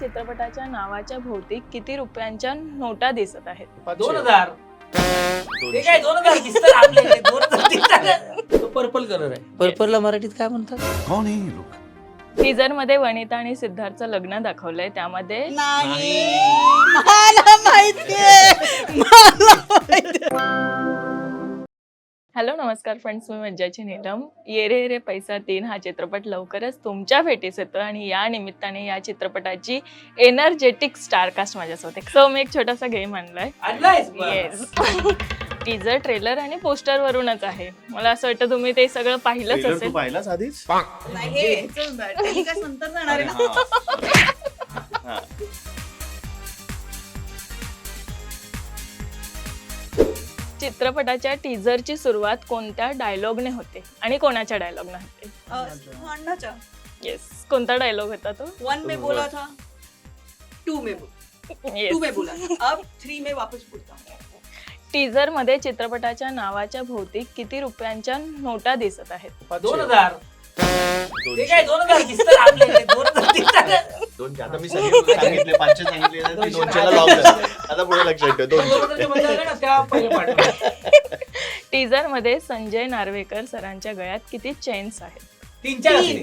चित्रपटाच्या नावाच्या भोवती किती रुपयांच्या नोटा दिसत आहेत? 2000. ते काय 2000 दिसतात आपल्याकडे 2000 दिसतात. तो पर्पल कलर आहे. पर्पलला मराठीत काय म्हणतात? कौन है ये लोग? टीजर मध्ये वनिता आणि सिद्धार्थचं लग्न दाखवलंय, त्यामध्ये नाही मला माहितीये हॅलो नमस्कार फ्रेंड्स, मी मज्जाची नीलम. ये रे रे पैसा 3 हा चित्रपट लवकरच तुमच्या भेटीस येतो आणि या निमित्ताने या चित्रपटाची एनर्जेटिक स्टारकास्ट माझ्यासोबत आहे. सो मी एक छोटासा गेम आणलाय. येस. टीजर, ट्रेलर आणि पोस्टर वरूनच आहे. मला असं वाटतं तुम्ही ते सगळं पाहिलंच ट्रेलर असेल. तू पाहिलास आधीच? नाही हे टेलिकास्ट नंतर जाणार आहे ना. हा. चित्रपटाच्या टीजरची सुरुवात कोणत्या डायलॉगने होते आणि कोणाच्या डायलॉगने होते? अन्नाचा येस. कोणता डायलॉग होता तो? 1 में बोला था 2 में बोला अब 3 में वापस बोलता हूं. टीजर मध्ये चित्रपटाच्या नावाच्या भोवती किती रुपयांच्या नोटा दिसत आहेत? 2000. ते काय 2000 दिसतात आपल्याकडे 2000 दिसतात. 200. आता मी सगळे सांगितले 500 सांगितले ना, ते 200 ला लावलं. आता पुढे लक्षात ठेव 200. टीजर मध्ये संजय नार्वेकर सरांच्या गळ्यात किती चेन्स आहेत? 3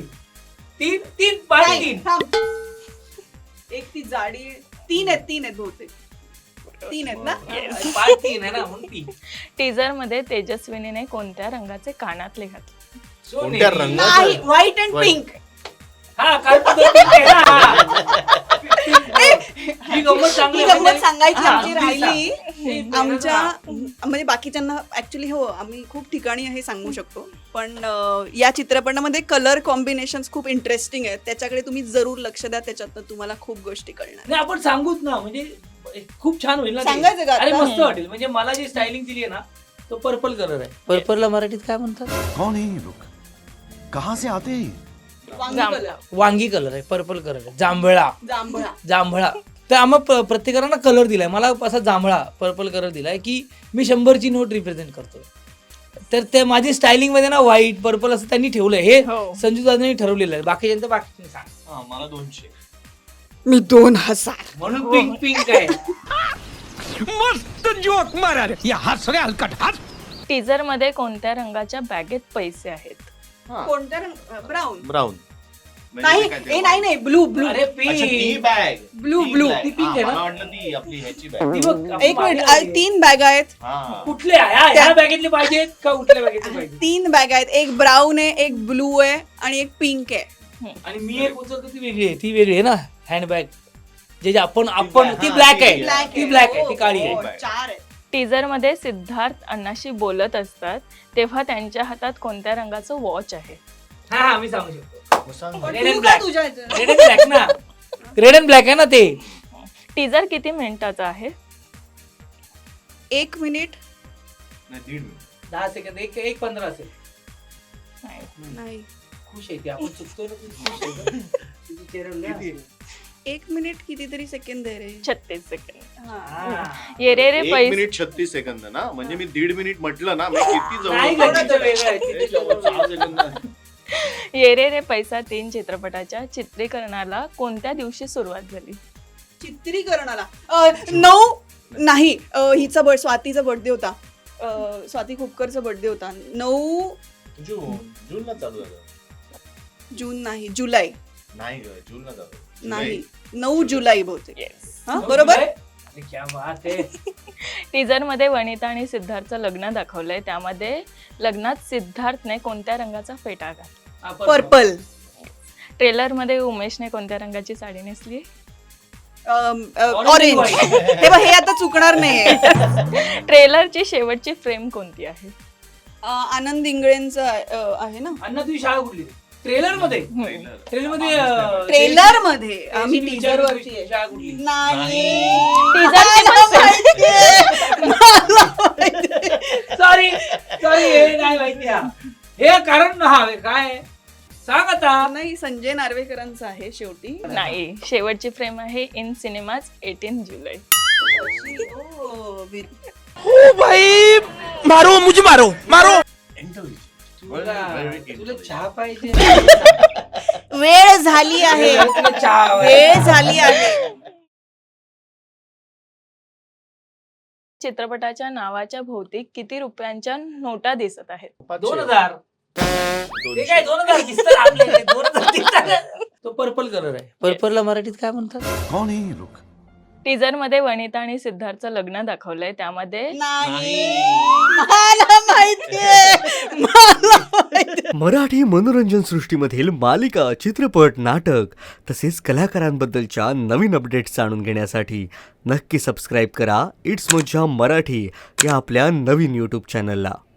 थांब. एक ती जाडी 3 आहेत बहुतेक 3 आहेत ना. 3 आहे ना म्हणून 3. टीजर मध्ये तेजस्विनीने कोणत्या रंगाचे कानातले घातले? कोणत्या रंगाचं? नाही व्हाईट अँड पिंक. हा कारण तो pink आहे ना. ही गंमत चांगली ही आहे. गंमत सांगायची हा, आमची आमची राहिली. आमच्या म्हणजे बाकीच्यांना ऍक्च्युली हो आम्ही खूप ठिकाणी हे सांगू शकतो, पण या चित्रपटामध्ये कलर कॉम्बिनेशन्स खूप इंटरेस्टिंग आहेत. त्याच्याकडे तुम्ही जरूर लक्ष द्या, त्याच्यातनं तुम्हाला खूप गोष्टी कळणार. नाही आपण सांगूच ना, म्हणजे खूप छान होईल ना ते. सांगायचं का अरे आता? मस्त वाटेल. म्हणजे मला जी स्टायलिंग दिली आहे ना, तो पर्पल कलर आहे. पर्पलला मराठीत काय म्हणतात? कौन है ये लोग? कहाँ से आते हैं? वांगी जांभळा. कलर, वांगी कलर आहे, पर्पल कलर आहे, जांभळा. जांभळा. तर आम्हा प्रत्येकाला कलर दिलाय. मला असा जांभळा पर्पल कलर दिलाय की मी 100ची नोट रिप्रेझेंट करतो. तर ते माझी स्टायलिंग मध्ये ना व्हाईट पर्पल असं त्यांनी ठेवलंय. हे हो. संजू दादांनी ठरवलेलं आहे. बाकीच्यांचं बाकी सांग. मला 200. मी 2000. म्हणून पिंक पिंक आहे. मस्त जोक मारा रे या हात सगळे हलकट हात. टीजर मध्ये कोणत्या रंगाच्या बॅगेत पैसे आहेत? कोणत्या रंग? ब्राऊन. ब्राऊन. नाही नाही ब्लू अरे अच्छा, ती पिंक. बॅग. Blue. ती pink आहे ना? मला वाटलं ती आपली ह्याची बॅग. एक मिनिट 3 बॅग आहेत. हा. कुठल्या ह्या बॅगेतले पाहिजेत का कुठल्या बॅगेतले पाहिजे? 3 बॅग आहेत. एक ब्राऊन आहे, एक ब्लू आहे आणि एक पिंक आहे. आणि मी एक उचलतो ती वेगळी आहे. ती वेगळी आहे ना हँडबॅग. जे आपण ती हा, ब्लॅक ती आहे. black ती ब्लॅक आहे, ती काळी हो, आहे. 4 आहेत. टीजर मध्ये सिद्धार्थ अण्णाशी बोलत असतात तेव्हा त्यांच्या हातात कोणत्या रंगाचं वॉच आहे? हा मी सांगू शकतो. मग सांग. पण Red तू and का black. तुझ्या ह्याचं? रेड अँड ब्लॅक ना. रेड अँड ब्लॅक आहे ना ते. टीजर किती मिनिटाचा आहे? 1 मिनिट नाही, 1.5 मिनिट. 10 सेकंद. एक 15 असेल. नाही. खुश आहे ती. आपण चुकतो ना, ती खुश आहे ना. तिचे चेहऱ्यावर लय हसू आहे. 1 मिनिट कितीतरी सेकंद आहे रे. 36 सेकंद. हा. ये रे रे 1 पैसा. मिनिट 36 सेकंद ना, म्हणजे मी 1.5 मिनिट म्हटलं ना, मी किती नाही जवळ गं, तिचं वेगळं आहे. हे तिचं जवळ वेगळं 6 आहे. सेकंद. ये रे रे पैसा 3 चित्रपटाच्या चित्रीकरणाला कोणत्या दिवशी सुरुवात झाली? चित्रीकरणाला 9 नाही हिचा स्वातीचा बर्थडे होता. स्वाती खोपकरचा बर्थडे होता. 9 जूनला चालू झालं. जून नाही, जुलै नाही ग, जूनला चालू. नाही, 9 जुलै बहुतेक. येस. हा बरोबर. अरे क्या बात आहे. टीजर मध्ये वनिता आणि सिद्धार्थचं लग्न दाखवलंय, त्यामध्ये लग्नात सिद्धार्थने कोणत्या रंगाचा फेटा घातला? हा, पर्पल. ट्रेलर मध्ये उमेशने कोणत्या रंगाची साडी नेसली? ऑरेंज. हे बघ, हे आता चुकणार नाहीये. ट्रेलरची शेवटची फ्रेम कोणती आहे? आनंद इंगळेंचा आहे ना. अण्णा तुझी शाळा कुठली? ट्रेलर मध्ये. ट्रेलर मध्ये ट्रेलर मध्ये आम्ही टीजर वरती आहे. शाळा कुठली? नाही. सॉरी हे नाही माहिती. हे कारण काय सांग आता. नाही, संजय नार्वेकरांचा आहे शेवटी. नाही, शेवटची फ्रेम आहे इन सिनेमाज 18 जुलै. ओ भाई मारो मुझे मारो मारो. तुला चहा पाहिजे? वेळ झाली आहे. तुला चहा वेळ झाली आहे. चित्रपटाच्या नावाच्या भोवती किती रुपयांच्या नोटा दिसत आहेत? 2000. ते काय 2000 दिसतं आपल्याला, 2000 दिसतं. तो पर्पल कलर आहे. पर्पलला मराठीत काय म्हणतात? कौन है ये लोग? टीजर मध्ये वनिता आणि सिद्धार्थचं लग्न दाखवलंय, त्यामध्ये नाही मला माहितीये मला माहितीये. मराठी मनोरंजन सृष्टीमधील मालिका, चित्रपट, नाटक तसेच कलाकारांबद्दलच्या नवीन अपडेट्स जाणून घेण्यासाठी नक्की सबस्क्राईब करा इट्स मज्जा मराठी या आपल्या नवीन यूट्यूब चॅनलला.